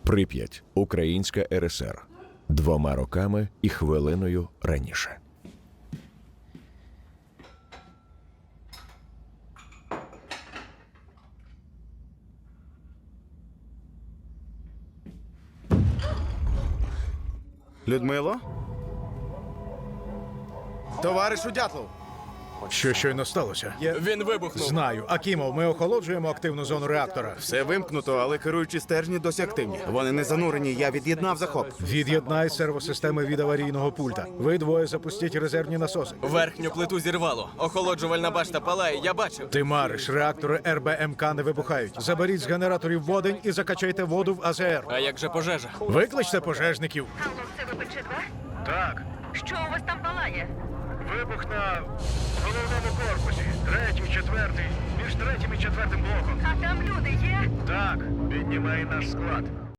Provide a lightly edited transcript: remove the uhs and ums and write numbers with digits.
Прип'ять, Українська РСР. 2 роками і хвилиною раніше. Людмило? Товаришу Дятлов! Що щойно сталося? Він вибухнув. Знаю. Акімов, ми охолоджуємо активну зону реактора. Все вимкнуто, але керуючі стержні досі активні. Вони не занурені, я від'єднав захоп. Від'єднай сервосистеми від аварійного пульта. Ви двоє запустіть резервні насоси. Верхню плиту зірвало. Охолоджувальна башта палає, я бачив. Ти мариш, реактори РБМК не вибухають. Заберіть з генераторів водень і закачайте воду в АЗР. А як же пожежа? Викличте пожежників. Алло, це ВПЧ-2? Так, Що у вас там палає? вибух на головному корпусі. 3-й, 4-й, між 3-м і 4-м блоком. А там люди є? Так, піднімай наш склад.